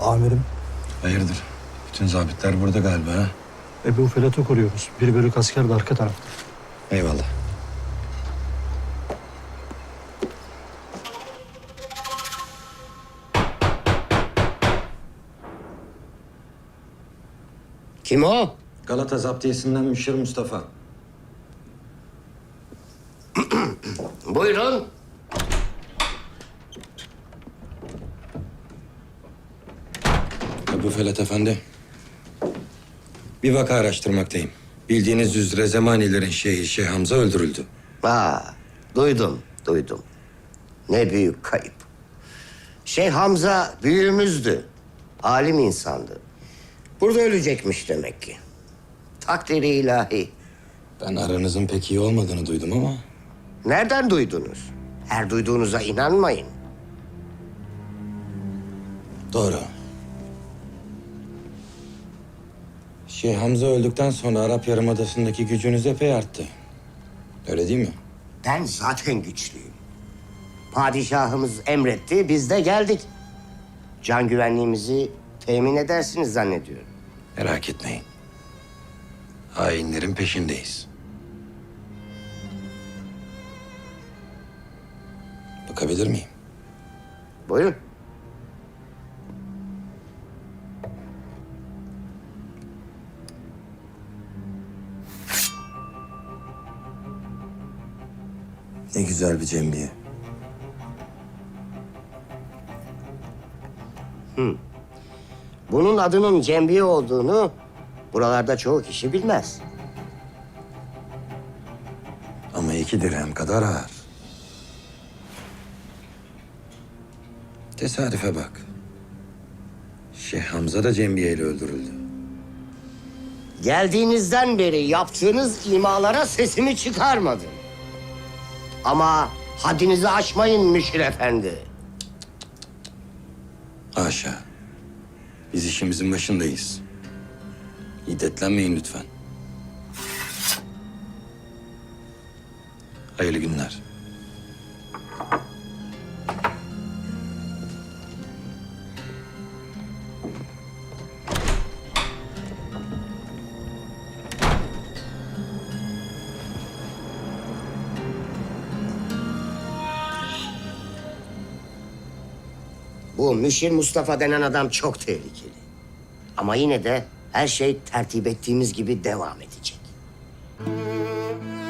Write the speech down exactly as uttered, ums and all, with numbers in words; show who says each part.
Speaker 1: Amirim,
Speaker 2: Hayırdır? Bütün zabitler burada galiba ha?
Speaker 1: Ebu Felat'ı koruyoruz. Bir bölük asker de arka tarafta.
Speaker 2: Eyvallah.
Speaker 3: Kim o?
Speaker 2: Galata Zaptiyesi'nden Müşir Mustafa.
Speaker 3: Buyurun.
Speaker 2: Ebu Felat Efendi. Bir vaka araştırmaktayım. Bildiğiniz üzere Zemanilerin şeyhi Şeyh Hamza öldürüldü.
Speaker 3: Aa, duydum, duydum. Ne büyük kayıp. Şeyh Hamza büyüğümüzdü. Alim insandı. Burada ölecekmiş demek ki. Takdiri ilahi.
Speaker 2: Ben aranızın pek iyi olmadığını duydum ama...
Speaker 3: Nereden duydunuz? Her duyduğunuza inanmayın.
Speaker 2: Doğru. Şeyh Hamza öldükten sonra Arap Yarımadası'ndaki gücünüz epey arttı. Öyle değil mi?
Speaker 3: Ben zaten güçlüyüm. Padişahımız emretti, biz de geldik. Can güvenliğimizi temin edersiniz zannediyorum.
Speaker 2: Merak etmeyin. Hainlerin peşindeyiz. Bakabilir miyim?
Speaker 3: Buyurun.
Speaker 2: Ne güzel bir cembiye.
Speaker 3: Bunun adının cembiye olduğunu buralarda çoğu kişi bilmez.
Speaker 2: Ama iki dirhem kadar ağır. Tesadüfe bak. Şeyh Hamza da cembiyeyle öldürüldü.
Speaker 3: Geldiğinizden beri yaptığınız imalara sesimi çıkarmadım. Ama haddinizi aşmayın Müşir Efendi.
Speaker 2: Haşa. Biz işimizin başındayız. İddetlenmeyin lütfen. Hayırlı günler.
Speaker 3: Bu Müşir Mustafa denen adam çok tehlikeli. Ama yine de her şey tertip ettiğimiz gibi devam edecek.